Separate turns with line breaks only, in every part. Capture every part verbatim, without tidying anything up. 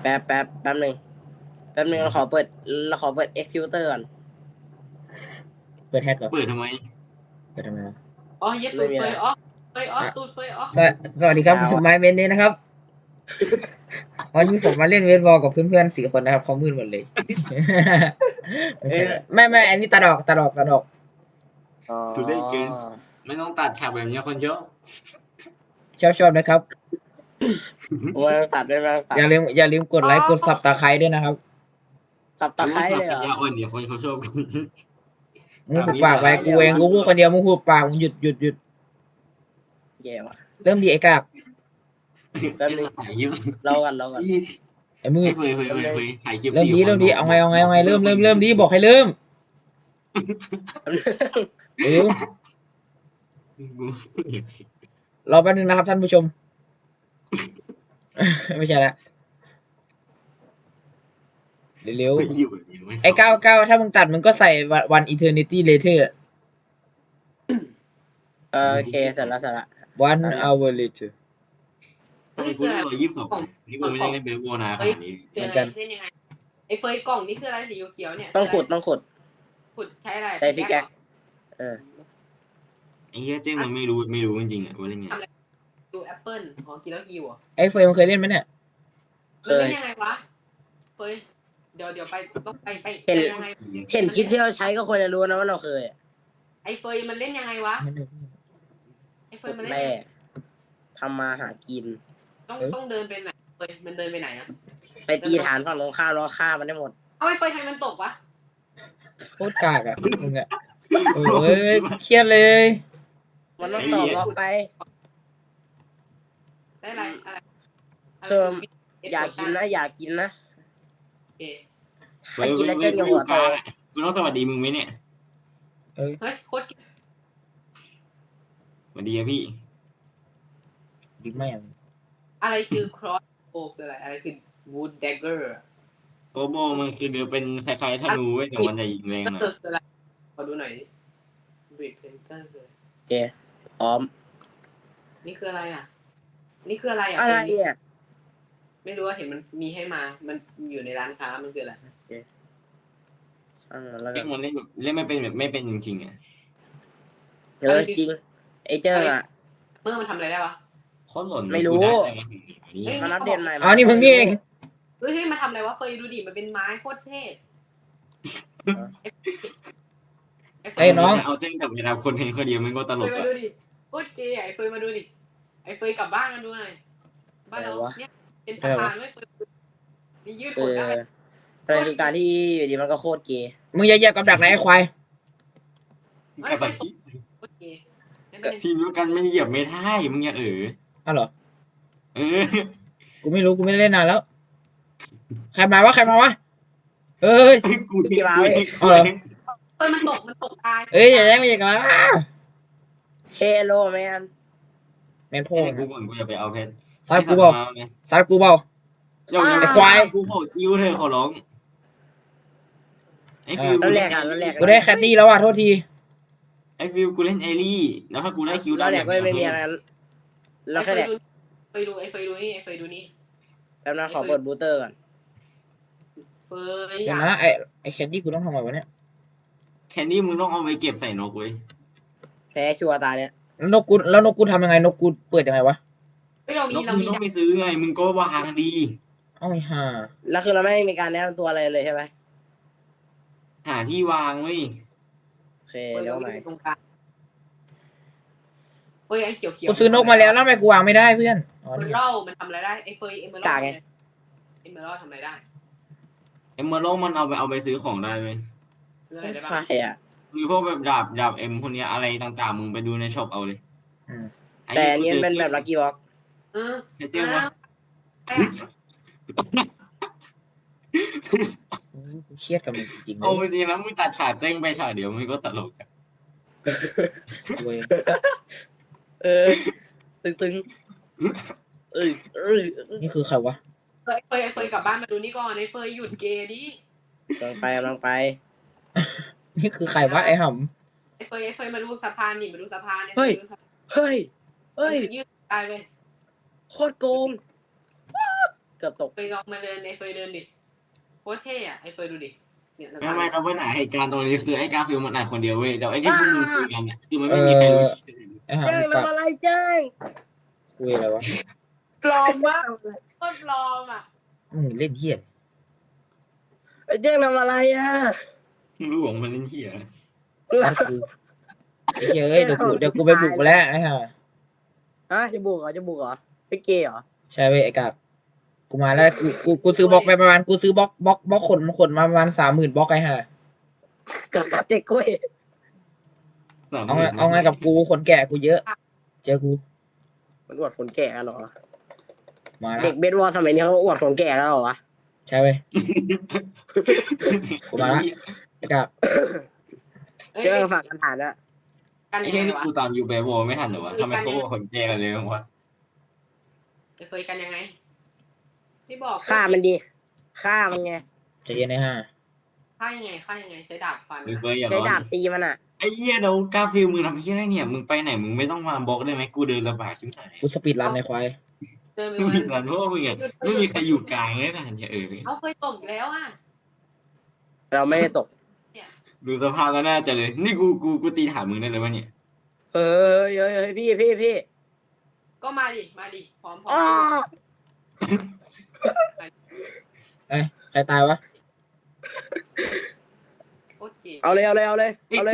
แป๊บแป๊บแป๊บหนึ่งแป๊บหนึ่งเราขอเปิดเราขอเปิด Executor ก่อน
เปิดแฮกเหรอ
เปิดทำไม
เปิดทำไมวะ
อ๋อเย็ดตูดเฟยอ๋อเฟยอ๋อตูดเฟยอ๋อ
สวสวัสดีครับผมไมเมนนี้นะครับ วันนี้ผมมาเล่นเวทบอลกับเพื่อนๆสี่คนนะครับเขามืดหมดเลย ไม่ใช่ไม่ไม่อันนี้ตาดอกตาดอกตาดอก
อ๋อ
ดูได้เกินไม่ต้องตัดฉากแบบนี้คนเยอะ
ชอบชอบนะครับ
โอ้ยตัดได้ไหมตัด
อย่าลืมอย่าลืมกดไลค์กดซับตาไคร้ด้วยนะครับ
ตับตะไคร้เลยเหร
ปัญ
อ
ญาอ่อนเดี๋ยวคนเขาชอบกัน
มึงหุบปากไว้กูเองกูพูดคนเดียวมึงหุบปากมึงหยุดหยุดหยุด
แย่ว่ะ
เริ่มดีไอ้กาก
แป๊บนึง
ถ่ายคลิป
เรากันเรากัน
ไอ้มื
ไม่
ด
เคยเคยเคยเคยถ่ายคลิป
เริ่มดีเริ่มดีเอาไงเอาไงเอาไงเริ่มเริ่มเริ่มดีบอกให้เริ่มเร็วรอแป๊บนึงนะครับท่านผู้ชม ไม่ใช่ละเร็วๆไอ้เก้าเก้าถ้ามึงตัดมึงก็ใส่วันอีเทอร์นิตี้เลเทอร์
เออโอเคเสร็จแล้วเสร็จแล้ว
one hour later
ทำไมกูได้ร้อยยี่สิบสองนี่กูไม่ได้เล่นเบสบอลนานขนาดนี้
เหมือนกันเป็นยังไงไอ้เฟยกล่องนี่คืออะไรสีเขียวๆเนี่ย
ต้องขุดต้องขุด
ขุดใช้อะไร
ใช้พิกแอคเออ
ไอ้เหี้ยเจ๊งมันไม่รู้ไม่รู้จริงๆอ่ะว่าเล่นไง
ดูแอปเปิ้ลของกินแล้วกิวอ่ะ
ไอ้เฟยมันเคยเล่นไหมเนี่ย
มันเล่นยังไงวะเฟยเดี๋ยวเดี๋ยวไปต้องไปไปยังไง
เห็นคลิปที่เราใช้ก็ควรจะรู้นะว่าเราเคย
ไอ้เฟยมันเล่นยังไงวะไอ้เฟ
ขุ
ย
ด
มันเล่น
แร่ทำมาหากิน
ต้องต้องเดินไปไหนเฟยมันเดินไปไหนอ่ะ
ไปตีฐานฝั่งตรงข้ามแล้วฆ่ามันได้หมด
เอาไอ้เฟยทำไมมันตกวะ
โคตรกากอ่ะมึงอ่ะโอ้ยเครียดเลย
มันต้องตอบล็อกไป
ได้อะไรอะไร
เพิ่ม อยากกินนะอยากกินนะ
โอเค
ถ้ากินแล้วเกินกับหัวโต
กูต้องสวัสดีมึงไหมเนี่ย
เฮ้ยโคตร
สวัสดีครับพี่
ดีแม่ง
อะไรคือ cross bow คืออะไรอะไรคือ wood dagger
โกโบมันคือเดี๋ยวเป็นคล้ายๆธนูเว้ยแต่มันจะยิงแรง
ก็
หน่อย
คืออะไรขอดูหน่อย breed painter คือ
โอเคพร้อม
นี่คืออะไรอ่ะ นี่คืออะไรอ่ะ
อะไรเนี่ย
ไม่รู้ว่าเห็นมันมีให้มา มันอยู่ในร้านค้ามันคืออะไร
ช่างมันแล้วกั
เล่
น
นมันเล่นแบบเล่นไม่เป็นแบบไม่เป็นจริงๆอ่ะ
เออจริงไอ้เจ้าอ่ะ
เมื่อมันทำอะไรได้วะ
โคตรหล่น
ไม่รู้
นี่
มันอัปเดตใหม่
อ๋อนี่มึงนี่เอง
เฮ้ยเฮ้ยมาทำอะไรวะเฟยดูดิมันเป็นไม้โคตรเท่
ไอ้น้อง
เอาเจ้งกับเวลาคนเห็นคนเดียวมันก็ตล
เฟย
ก
มา
อ่ะ
ดูดิโคตรเก๋ไอ้เฟยมาดูดิไอ้เฟยกลับบ้านกันดูหน่อยบ้านเราเนี่ยเป็นสะพานด้วยเฟยมียืด
เอ
หด
อ
ได้
อะไรคือการที่อยู่ดีมันก็โคตรเกย์
มึงอย่าเหยียบกับดักนะไอ้ควาย
กับแบบที่
โคตรเก๋
ทีมเดียวกันไม่เหยียบไม่ได้มึงอย่าเออ
อ้าวเหรอ
เออ
กูไม่รู้กูไม่ได้เล่นนานแล้ว ใครมาวะใครมาวะเอ้ย
กูที่มา
เอาเหรอ
เฟยมันตกมันตกตาย
เอ้ยอย่าแย่งเรียกนะ
เฮโลแมน
แมนพ่อ
ให้กูก่อนกูจะไปเอาเพชร
ซัดกูเปล่าซัดกูเปล่า
เดี๋ยว
ไอ้ควาย
กูขอคิวเธอขอร้องไอ้ฟิว
แล้วแรกอ่ะแล้วแรก
กูได้แคดดี้แล้วว่ะโทษที
ไอ้ฟิวกูเล่นไอรี่แล้วถ้ากูได้คิว
แล้วแรกก็ไม่มีอะไรเราแค่แรก
เฟยดูไอ้เฟยดูนี่ไอ้เฟยดูนี่
แล้วนะขอเปิดบูสเตอร์ก่อน
เฟย
เดี๋ยว
อ่ะ
นะไอ้ไอ้แคดดี้กูต้องทำไงวะเนี่ย
แคนดี้มึงต้องเอาไปเก็บใส่นกเว้ย
แพ้ชัวร์ตาเนี่ย
แล้วนกกูแล้วนกกูทำยังไงนกกูเปิดยังไงวะ
เฮ้ยเรา
น
มี
ก
เรา
มึง
มี
ต้องไปซื้อไงมึงก็วางดี
เอ้าไอ้ห่า
แล้วคือเราไม่มีการแนะนำตัวอะไรเลยใช่ไหม
หาที่วางเว้ย
โอเคเดี๋ยวใหม่
ตรงกลางเฟยไอ้เขียวเขียว
กูซื้อนกมาแล้วแล้วทำไมกูวางไม่ได้เพื่อนอ๋อ
เอเม
นี่
อรัลมันทำอะไรได้ไอ้เฟยเอเมอรัลเอเมอรัลทำอะไรได้
เอ็มเมอร์โลมันเอาไปเอาไปซื้อของได้เว้ย
เรื่องอะไรได้
ใคร
บ้าง
อ่ะ
มีพวกแบบดาบดาบเอ็มคนเนี้ยอะไรต่างๆมึงไปดูในช็อปเอาเลย
อืม
แต่อันนี้มันเป็นแบบลักกี้บ็อก
เออ
เจ๊งวะ
กูเครียดกับมึงจริงๆเล
เอา
ย
จริงๆแล้วมึงตัดฉากเจ๊งไปฉากเดียวมันก็ตลก
เว้ย
เออตึงตึงเอ้ยเอ้ย
นี่คือใครวะ
เฟยเฟยเฟยกลับบ้านมาดูนี่ก่อนไอ้เฟยหยุดเกย์ดิ
กำลังไปกำลังไป
นี่คือใครวะไอ้ห่
ไอ้เฟยไอ้เฟยมาดูสะพานนี่มาดูสะพาน
เฮ้ย เฮ้ย
เฮ้ยยืดตายเลย
โคตรโกงเกือบตก
เฟยลองมาเดินไอ้เฟยเดินดิโคตรเท่อะไอ้เฟยดูดิเนี่ย
ไม่ไม่เราปัญหาเหตุการณ์ตรงนี้คือไอ้กาฟิลมันอ่านคนเดียวเว้ยเดี๋ยวไอ้ที่พวกมึงคุยกันเนี่ยคือมัน
เอ
ไม่มีใครรู้
อไอ้ห่า
เจ้ง
มึง
ทำอะไรเจ้ง
คุยอะไรวะ
ปลอมมากโคตรปลอมอ่ะ
มึงเล่นเหี้ย
ไอ้เจ้งทำอะไรอ่ะ
รู้ของมันเล่นเหี้ย
ซัดกูไอ้เหี้ยเอ้ยเดี๋ยวกูเดี๋ยวกูไปบุกมาแล้วไอ้ห่า
ฮะจะบุกเหรอจะบุกเหรอไอ้เกย์เหรอ
ใช่เว้ยไอ้กาบกูมาแล้วกูกูกูซื้อบล็อกไปประมาณกูซื้อบล็อกบล็อกบล็อกขนขนมาประมาณสามหมื่นบล็อกไอ้ห่า
กับกับเจ๊กล้วย
เอาไงเอาไงกับกูคนแก่กูเยอะ เจอกู
มันอวดคนแก่กันเหรอ
มาแล้
เด็
ว
กเบสบอลสมัยนี้เขาอวดคนแก่กันเหรอวะ
ใช่เว้ยกูมาแล้วไอ้กาบ
เอ้ย
เจ้งฝากกันฐานอะ
กัน
ไอ้
ยัง
เหี้ย
ไง
นี่
วะ
กูตามยูเบโบไม่ทันเหรอวะทำไมเขาบอกคนแก่กันเลยวะ
ไอ้เฟยกันยังไงพี่บอก
ฆ่ามันดีฆ่ามันไง
ใจเย็นไอ้ห่า
ฆ่ายังไงฆ่ายังไงใช้ดาบฟัน
หรือเฟยอย่า
ใช้
ร้อน
ดาบตีมันอ่ะ
ไอ้เหี้ยเดี๋ยวกาฟิลมึงทำเหี้ยอะไรเนี่ยมึงไปไหนมึงไม่ต้องมาบล็อกได้ไหมกูเดินลำบากชิบหาย
กูสปีดรันในควาย
เดินไป
ไม่
วั
มี
น
ร้านเพราะว่ามึงอ่ะไม่มีใครอยู่กลางเลยนะเนี่ยเออ
เอาเฟยตกอีกแล้วอ่ะ
เราไม่ได้ตก
ดูสภาพแล้วน่าจะเลยนี่กูกูกูตีถามมึงได้เลยวะเนี่ย
เฮ้ยเฮ้ยเฮ้ยพี่พี่พี่
ก็มาดิมาดิพร้อมพร้อ
อ้อ
ม
เอ้ยใครตายวะ
โคตรเก๋
เอาเลยเอาเลยเอาเลยเอาเลย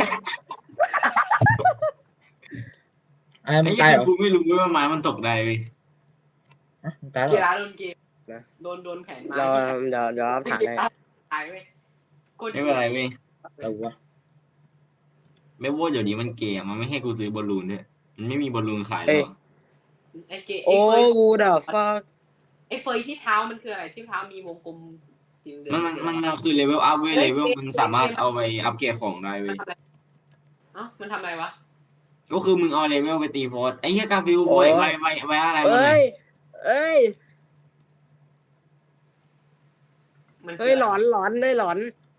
อะไรมึ
ไอ้
ง
เหี้
ตาย
ย
เหรอ
กูไม่รู้ว่าไม้มันตกได้เว้ย
ฮะมึงตายเหร
เกี
อ
ฬาโดนเกมโดนโดนแผนมา
เราเดี๋ยวเดี๋ยวรับฐานให้
ตายเว้ยโคตร
ไม่เป็นไรเว้ย
เอาวะ
ไม่ว่าเดี๋ยวนี้มันเกมมันไม่ให้กูซื้อบอลลูนด้วยมันไม่มีบอลลูนขายหรอก
ไอ้เก๋ไอ้
โอ้
เฟย
กูเดาฟัก
ไอ้เฟยที่เท้ามันคืออะไรที่เท้ามีวงกลมสีเหลือง
มันมันมันมันคือเลเวลอัพเว้ยเลเวลมึงสามารถเอาไปอัพเกรดของได้
มั
เว้
น
ย
ทำอะไรเอ้ามันทำอะไรวะ
ก็คือมึงเอาเลเวลไปตีโฟร์สไอ้เหี้ยกาฟิวไว้ไว้ไว้ไว้อะไรมัน
เอ้
เนี่ย
ยเอ้ย
มันคื
เฮ้ยหลอนหลอนเลยหลอน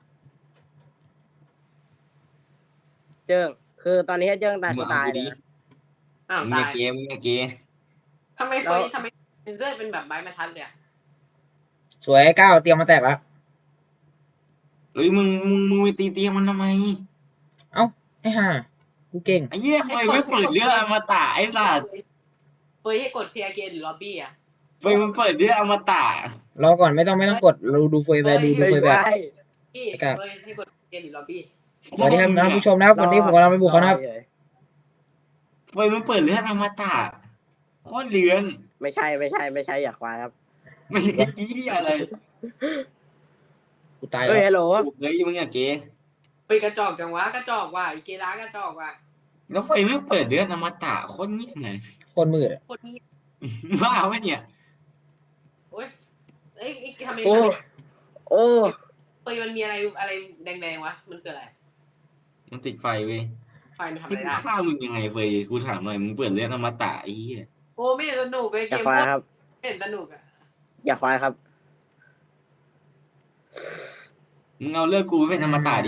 เจิงคือตอนนี้เจิงตาย
มึ
กู
งเอา
ตาย
กู
เล
ดิ
ย
อ้าว
มึงอ
ตา
ย่าย เกมมึงอย่าเกม
ทำไมเฟยทำไมเลือดเป็นแบบใบมะทัดเลยอะ
สวยไอ้ก้าวเตรียมมาแตกแล้ว
เฮ้ยมึงมึงมึงไปตีเตียงมันทำไม
ไอ้ห่ากูเก่ง
ไอ้เหี้ยทำไมไม่เปิดเรื่องอมตะไอ้สัตว์
เฟยให้กดเพย์เกนหรือล็อบบี้อะ
ไปมันเปิดเรื่องอมตะ
รอก่อนไม่ต้องไม่ต้องกดเราดูเฟยแบบดูดู
ไม่
เฟยแบบ
ใช่
พี่
ครับ
เฟยให้กดเพย์เกนหรือล็อบบี้
สวัสดีครับท่านผู้ชมนะครับวันนี้ผมกำลังไปบุกเขานะครับ
ไปมันเปิดเรื่องอมตะโคตรเลือน
ไม่ใช่ไม่ใช่ไม่ใช่อย่าควายครับ
ไม่ใช่ที่อะไร
กูตาย
เฮ้ย
แล้ว
ฮัลโหล
เฮ้ยมึงอย่าเกม
เฟยกระจอกจังวะกระจอกว่ะอีเกล้ากระจอกว่ะ
แล้วไฟไม่เปิดเรื่องอมตะโคตรเงียบเลย
โคตรมืดอะ
โคตรนี้
บ้าไหมเนี่ย
โอ๊ยเอ้ยไอ้ทำไม
โอ้โอ้
เฟยมันมีอะไรอะไรแดงๆวะมันคืออะไร
มันติดไฟเว้ย
ไฟมันทำอะ
ที่
ไร
กู
ได้
ฆ่ามึงยังไงเฟยกูถามหน่อยมึงเปิดเรื่องอมตะไอ้เหี้ย
โอ้ไม่เห็นสนุกเลย
อ
เก
ย่าม ควายครับ
ไม่เห็นสนุกอะ
อย่าควายครับ
มึงเอาเรื่องกูเป็นอมตะดิ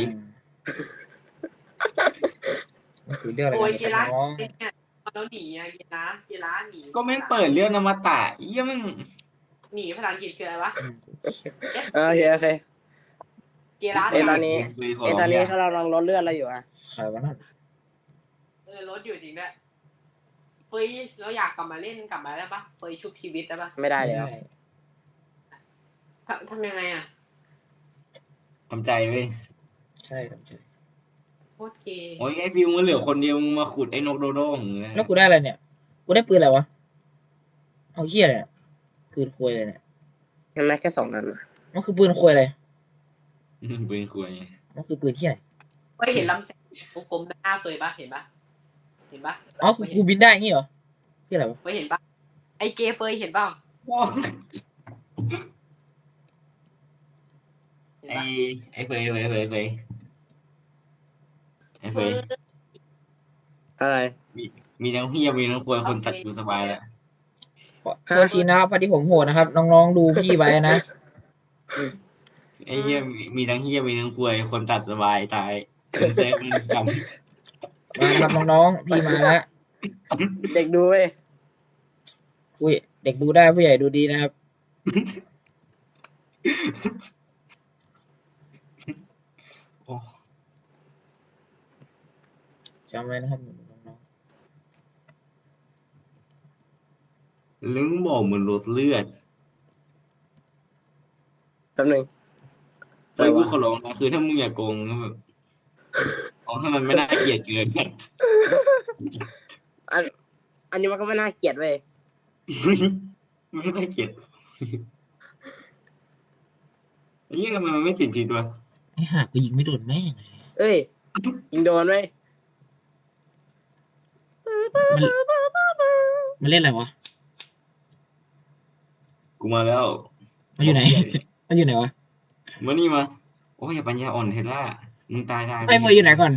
มันคือเรื่องอะไร
โอ้ย
กัน
เก
เนี่ย
ล้า
น้อง
เนี่ยแล้วหนีอะเกล้าเกล้าหนี
ก็ไม่งเปิดเรื่องอมตะไอ้เหี้ยมึง
หนีภาษาอังกฤษคืออะไรวะ
เออโอเคโอเค
เกล้า
เอ้ยตอนนี้
เฟยขอ
เอ้ย
ร้
ต
อ
อง นนี้
อย่า
เขาเรากำลังลดเลือดอะไรอยู่อะ
ใครวะนั่น
เออรถอยู่จริงด้วยเฟยเราอยากกลับมาเล่นกลับมาได้ปะเฟยชุบชีวิตได้ปะ
ไม่ได้เลยครับ
ทำทำยังไงอะ
ทำใจเว้ย
ใช่ครับใช่
โคตรเกย์
โอ้ยไอ้ฟิวมันเหลือคนเดียวมึงมาขุดไอ้นกโดโด้ของมึงเลย
แล้วกูได้อะไรเนี่ย กูได้ปืนอะไรวะ เอาเหี้ยอะไรเนี่ยปืนควยเลยเนี่ย
เห็นไหมแค่สองนัด
มันคือปืนควยอะไร
ปืนคุย
มันคือปืนที่ไหน
เฟยเห็นลำแสงกลมๆหน้าเฟยปะเห็นปะเห็นปะ
อ๋อคือกูบินได้งี้เหรอที่อะไรวะ
เฟยเห็นปะไอเกย์เฟยเห็นเปล่าเห็น
ไอ้
ปะ
ไอ้เฟยเฟยเฟยเฟยไอ้เฟย
อะไร
มีทั้งเฮียมีทั้งควยคนตัดกูสบายแล้ว
ขอโทษทีนะครับพอดีผมโหดนะครับ น้องๆดูพี่ไว้นะ
ไอ้เฮียมีมีทั้งเฮียมีทั้งควยคนตัดสบายตายเป็นเซฟมันจ
มาครับน้องๆพี่มาแล้ว
เด็กดูเว้ย
อุ้ยเด็กดูได้ผู้ใหญ่ดูดีนะครับ
โอ้
จำไว้นะครับน้อง
ลึงบอกเหมือนลดเลือด
แป๊บนึง
เฮ้ยกูขอร้องนะคือถ้ามึงอย่าโกงก็แบบเอาให้มันไม่น่าเกลียดเกิน
อันอันนี้มันก็ไม่น่าเกลียดเว้ย
มันไม่น่าเกลียดไอ้เหี้ยทำไมมันไม่ติดผิดวะ
ๆไอ้ห่ากูยิงไม่โดนแม่งเลย
เอ้ยยิงโดนเว้ย
มันมันเล่นอะไรวะ
กูมาแล้ว
มันอยู่ไหน มันอยู่ไหนวะ
มานี่มาโอ้ยอย่าปัญญาอ่อนเทล่ามึงตายได้
ไอ้เฟยอยู่ไหนก่อน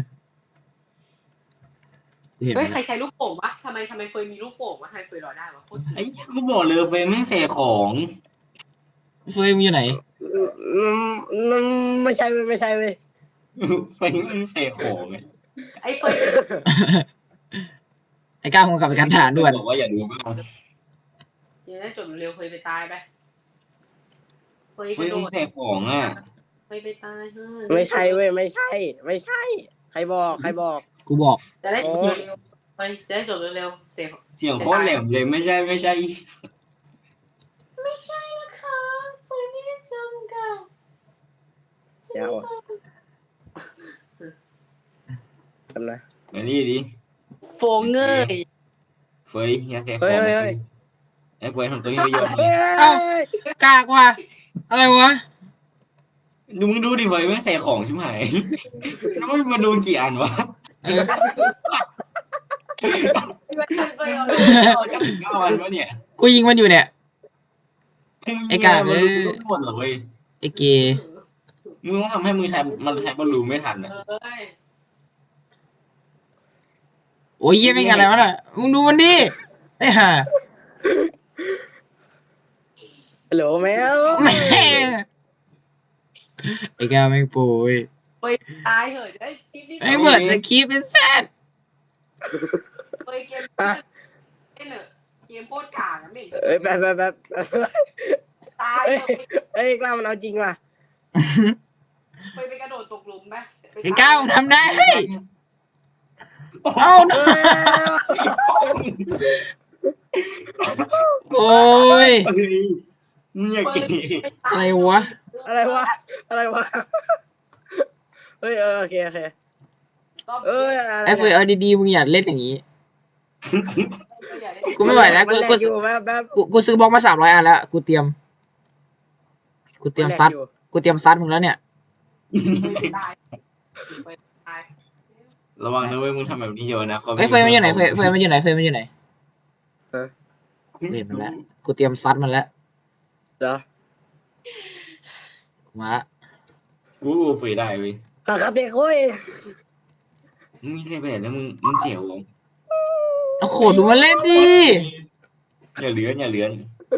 กูเห็น
เฮ้ย
มัน
ใครใช้ลูกโป่งวะทำไมทำไมเฟยมีลูกโป่งวะทำไมเฟยรอได้วะโคตร
ไอ้เหี้ยกูบอกเลยเฟยแม่งเสกของ
เฟยมันอยู่ไหน
อืมอืมไม่ใช่เว้ยไม่ใช่เว้ย
เฟยแม่งเสกของไง
ไอ้เฟย
ไอ้ก้าวคงกลับไปกันฐานด่วน
บอกว่าอย่าดูมาก
เดี๋ยวได้จบเร็วเฟยไปตายไปเฟย
เฟ
กระ
ย
โด
แม่ง
ด
เสกของอ่ะ
เฟยไปตายเฮ้ย
ไม่ใช่เว้ยไม่ใช่ ไม่ใช่ ใครบอกใครบอก
กูบอก
จะได้จบเร็วๆเฟยจะได้จบเร็วๆเสก
เสียงโคตรแหลมเลยไม่ใช่ไม่ใช่
ไม่ใช่นะคะเฟยไม่ได้จำค่ะ
เดี๋ยวทำนะ
มานี่ดิ
โฟงเงย
เฟยอย่าเสกข
เฮ้
อย ง
เฮ้ยเฮ้ย
ไอ้เฟยทำตัวนี้ไปเยอะเล
เฮ้
ย
ย
เอ้า กากว่ะอะไรวะ
ดูมึงดูดิเฟยแม่งเสกของชิบหายแล้วมันมาโดนกี่อันวะ
เออ
เฟยเอา
เอาจะถึงเก้าอันวะเนี่ย
กูยิงมันอยู่เนี่ย ไอ้กาก
มัน
เอ้
รู้
ย
ทุกหมดเหรอเว้ย
ไอ้เกย์
มึงต้องทำให้มือใช้มันใช้บอลลูนไม่ทันอ่ะ
เอ้ย
โอ้ยเยี่ยไม่งอะไรวะน่ะมึงดูมันดิไอ้ห่า
ฮัลโหลแมว
แม่งไอ้ก้าวไม่งโปรย
เฟยตายเหอะจะได้รีบๆ
ไอ้งเปิดสคริปต์เป็นแซด
เฟยเกมเล่นเนอะเกมโคตรกากอะไม่เห็น
เอ้ยแบบแบบแบบ
ตาย
เอ้ย
เถอะ
เอ้ยกล้ามันเอาจริงว่ะ
เฟยไปกระโดดตกหลุมไปป
ไอ้ก้าวทำได้
โอ้
เอ้า
เอ้ย
โอ้ย
ยมึงอย่าเก๋
อะไรวะ
อะไรวะอะไรวะเฮ้ยเออโอเคโอเค
รอบ
เอ้ย
นี้
อะไร
ไอ้เฟยเอาดีๆมึงอย่าเล่นอย่างนี้
เฟยอย่าเล่น
กูไม่ไหวแล้ว
มัน
กู
แล
กู
กอยู่แบบแบบ
กูกูซื้อบล็อกมาสามร้อยอันแล้วกูเตรียม กูเตรียมซัด
นแลกอ
กูเตรียมซัดมึงแล้วเนี่ย
เฟยไปตายเฟยตาย
ระวังนะเว้ยมึงทำแบบนี้เยอะนะขา
เอ้ยเฟยมันอยู่ไหนเฟยเฟยมันอยู่ไหนเฟยมันอยู่ไหน
เออ
กูเห็นมันแล้วกูเตรียมซัดมันแล้ว
เหรอ
กูมาละ
กูเฟยได้เว้ย
คาคาเตะโค้ย
มึงมีใครแบบแล้วมึงมึงเจ๋วเหรอ
เอาโขดดูมันเล่นดิ
อย่าเลื้อนอย่าเลื้อน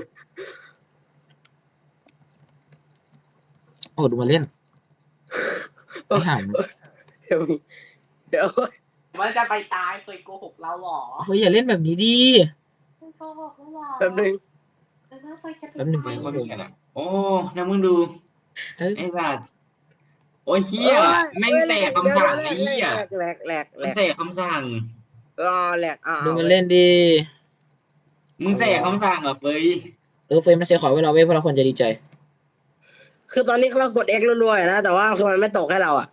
โอ้ดูมันเล่นไอ้ห่าม
เดี๋ยวมีเดี๋ยว
มันจะไปตายเฟยโกหกเราเหรอ
เฟยอย่าเล่นแบบนี้ดิ
เฟยโกหกเราเหรอ
แป๊บนึง
เฟยว่าเฟยจะไป
แป๊บนึง
เฟ
ตาย
ยคนนี้กันอ่ะโอ้นะมึงดู
เอ้ย
ไอ้สัตว์โอ้ยเฮียแม่งเสกคำสั่งไอ้เฮีย
แหลกแหลกแหล
มัน
ก
เสกคำสั่ง
รอแหลกอ่า
ดูมันเล่นดิ
มึงเสกคำสั่งเหรอเฟย
เออเฟยมันเสียขอไว้เราเว้ยเพราะเราควรจะดีใจ
คือตอนนี้เรากด X รัวๆนะ แต่ว่าคือมันไม่ตกให้เราอ่ะ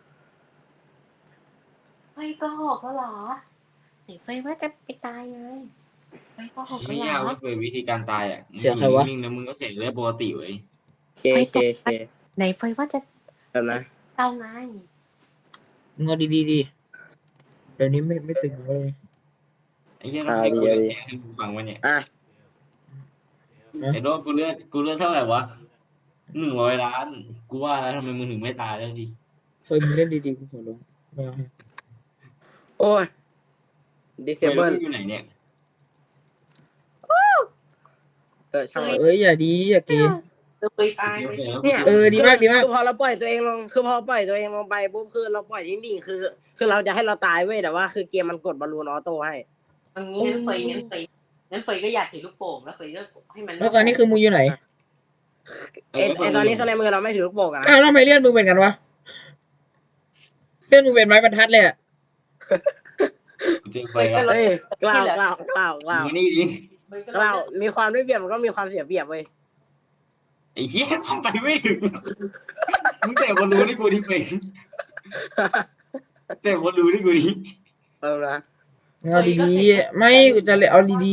เฟยโกหกเราเหรอไหนเฟยว่าจะไปตายไงเฟยโกหก
ไม่
เราเหร
ยาก
อ
ว่าเฟยวิธีการตายอ่ะ
เสียใครวะ
นิ่งๆแล้วมึงก็เสกได้ปกติเว้ย
เคเคเค
ไหนเฟยว่าจะ
แบบนะ
เอาไง
มึงเอาดีๆดิเดี๋ยวนี้ไม่ไม่ตึงเลย
ไอ้เหี้ยต้องให้กูเลือดแทงให้กูฟังวะเนี่ย
อ่ะ
ไอ้โดกูเลือดกูเลือดเท่าไหร่วะหนึ่งร้อยล้าน กูว่าแล้วทำไมมึงถึงไม่ตายแล้วดิ
เฟยมึงเล่นดีๆกูขอร้องไม่เอาให้
โอ้ย
เฟย
disable
แล้วมึงอยู่ไหนเนี่ย
เออช่างมัน
เอ้ยอย่าดีอย่าเกม
เฟยตายไหม
เนี่ย
เออดีมากดีมาก
คือพอเราปล่อยตัวเองลง คือพอปล่อยตัวเองลงไปปุ๊บคือเราปล่อยนิ่งๆคือ คือเราจะให้เราตายเว้ยแต่ว่าคือเกมมันกดบอลลูนออโต้ให้
อันนี้งั้นเฟยงั้นเฟยงั้นเฟยก็อยากถือลูกโป่งแล้วเฟยก็ให้มัน
แล้วตอนนี้คือมึงอยู่ไหน
เอ
ไอ
อ
ไอตอนนี้ข้างในมือเราไม่ถือลูกโป่งอะนะ
อ้าวแล้วทำไมเลื่อนมึงเป็นกันวะเลื่อนมึงเป็นไม้บรรทัดเลยอะ
กูเจอไฟแล้ว
เฮ้ยกล่าวกล่าวกล่าวกล่าว
มานี่ดิ
เฟยก็
กล่าวมีความได้เปรียบมันก็มีความเสียเปรียบเว้ย
ไอ้เหี้ยทำไปไม่ถึงมึงแต่บอลรู้นี่กูดิเป็นแต่บอลรู้นี่กูดิ
เออนะ
มึงเอาดีๆไม่กูจะเลยเอาดี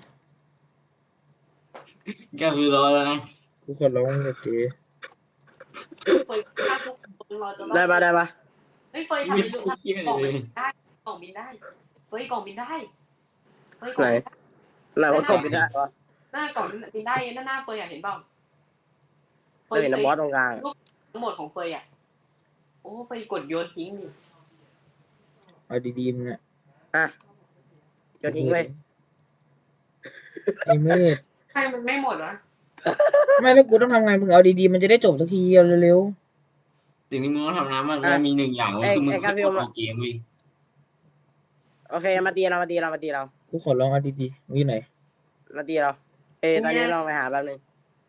แกคือรอแล้วนะ
ๆกูขอร้องมึงอย่าเก๋
เฟยฆ่าทุกคนรอจนรอ
ได้ปะได้ปะ
เฮ้ยเฟยทำเป็นลูกกล่องบินได้กล่องบินได้เฟยกล่องบินได้เฟยกล่องบินได้
ไหนว่ากดไม่ได้วะ
หน้ากล่องบินได้หน้าหน้าเฟยอยากเห็นเปล่า
เฮ้ยนะบอสตรงกลาง
ทั้งหมดของเฟยอ่ะโอ้เฟยกดโยนทิ้งดิ
เอาดีๆมึงอะ
อ่ะโยนทิ้งไป
ไอ้มืด
ใช่มันไม่หมดวะ
ไม่แล้วกูต้องทำไงมึงเอาดีๆมันจะได้จบสักทีเอาเร็ว
สิ่งที่มึงต้องทำนะมันมันมีหนึ่งอย่างก็คือมึงเข้าเอาเกมเว้ย
โอเคมาตีเรามาตีเรามาตีเรา
ๆกูขอร้องเอาดีๆมึงอยู่ไหน
มาตีเราเอ้ยตอนนี้เราไปหาแป๊บนึง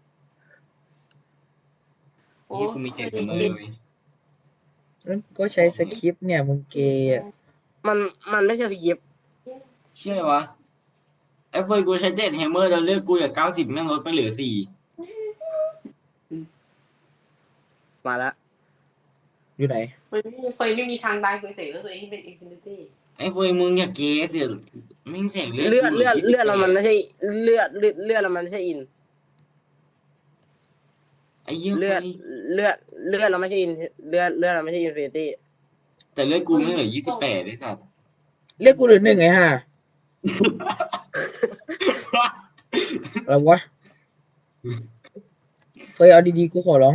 โอ้
นี่กูมีเจ็ดเสมอเว้ย
งั้นก็ใช้สคริปต์เนี่ยมึงเกย์อะ
มันมันไม่ใช่สกิป
เชื่อวะไอ้เฟยกูใช้เจ็ดแฮมเมอร์แล้วเลือกกูจากเก้าสิบแม่งลดไปเหลือสี่
มาแล้ว
อยู่ไหน
เฟยไม่เฟยไม่มีทางตายเฟยเสกแล้วตัวเองเป็นอินฟินิตี้
ไอ้เฟยมึงอย่าเกสเสียแม่งแสงเลือด
เลือดเลือดเลือดเรามันไม่ใช่เลือดเลือดเลือดเรามันไม่ใช่อิน
ไอ้เหี้ย
เลือดเลือดเลือดเราไม่ใช่อินเลือดเลือดเราไม่ใช่อินฟินิตี้
แต่เลือดกูไม่เหลือยี่สิบแปดไอ้สัส
เรียกกูเหลือหนึ่งไงฮะอะไรวะเฟยเอาดีๆกูขอร้อง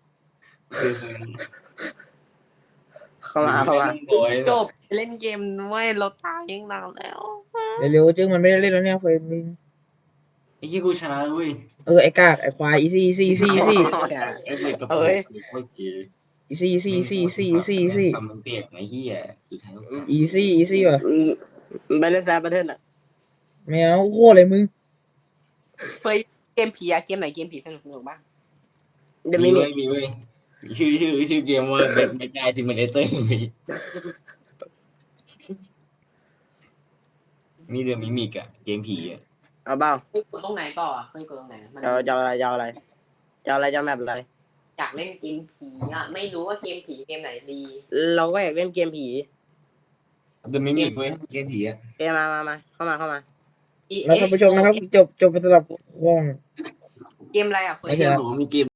เข้ามาเข้ามา
จบเล่นเกมด้วยเราตายยังนานแล้ว
เร็วๆจึงมันไม่ได้เล่นแล้วเนี่ยเฟยมึง
ไอ้เหี้ยกูชนะแล้วเว้ย
เออไอ้กากไอ้ควายอีซี่อีซี่อีซี่อีซี่
ไอ้เฟยกับกูโคตรเกย์
อีซี่อีซี่อีซี่อีซี่อีซี่อีซี่
ทำมึงเตียกไอ้เหี้ยสุดท้าย
อีซี่อีซี่ว่ะ
อืมไปเล่นแซมบัตเทิลอ่ะ
ไม่เอาโคตรเลยมึง
เฟยเกมผีอะเกมไหนเกมผีสนุกสนุกบ้าง
เดี๋ยว
มี
มีมี
เว้ยมีเว้ยชื่อชื่อชื่อเกมว่าแบทแบทกายซิมูเลเตอร์มีมีเดอะมิมิกอะเกมผีอะ
เอาเปล่า
เฟยกดตรงไหนต่ออะเฟยกดตรงไหนมัน
จะเอาจะเอาอะไรจะเอาอะไรจะเอาอะไรจะเอาแมปอะไร
อยากเล่นเกมผีอะไม่รู้ว่าเกมผีเกมไหนดี
เราก็อยากเล่นเกมผี
เดอะมิมิกเว้ยเกมผีอะ
เอ้ยมามามาเข้ามาเข้ามา
แล้วท่านผู้ชมนะครับจบจบไปสำหรับห้อง
เกมอะไรอะเฟย
ไอ้เหี้ยบอกว่ามีเกม